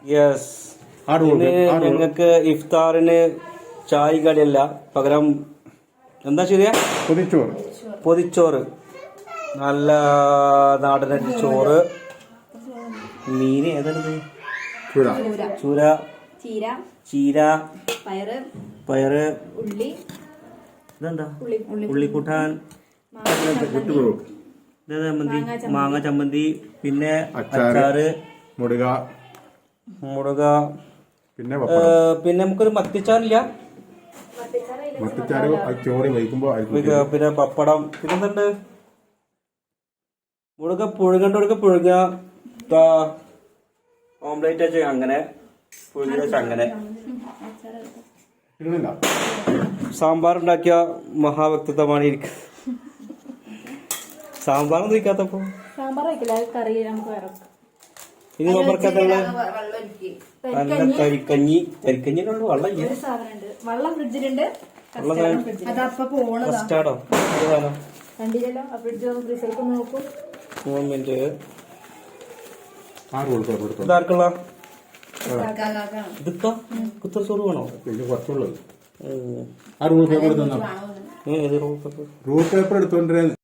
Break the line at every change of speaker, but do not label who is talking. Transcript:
Yes. ഞങ്ങൾക്ക് ഇഫ്താറിന് ചായ കടിയല്ല, പകരം എന്താ ശരിയാ, പൊതിച്ചോറ്. നല്ല നാടനരി ചോറ്, മീൻ ഏതാണ്, ചൂര, ചീര, പയറ്, ഇതെന്താ ഉള്ളിക്കൂട്ടാൻ, ചമ്മന്തി, മാങ്ങ ചമ്മന്തി, പിന്നെ അച്ചാറ്, മുടുക, പിന്നെ നമുക്കൊരു മത്തിച്ചാറില്ല, പിന്നെ പപ്പടം, പിന്നെന്തുണ്ട്, മുടുക പുഴുക ഓംലേറ്റ് വെച്ച് അങ്ങനെ പുഴുങ്ങി വെച്ച് അങ്ങനെ. സാമ്പാർ ഉണ്ടാക്കിയ മഹാവ്യക്തിത്വമാണ് ഇരിക്കുന്നത്. സാമ്പാറൊന്നും ഇരിക്കാത്തപ്പോ ഇനി നമുക്കത്തുള്ള നല്ല കരിക്കഞ്ഞിനുള്ള വെള്ളം കസ്റ്റാർഡോ ഇതാർക്കുള്ള ഇതൊക്കെ കുത്തച്ചോറ് വേണോ?
Rule paper എടുത്തോണ്ടിരുന്നു.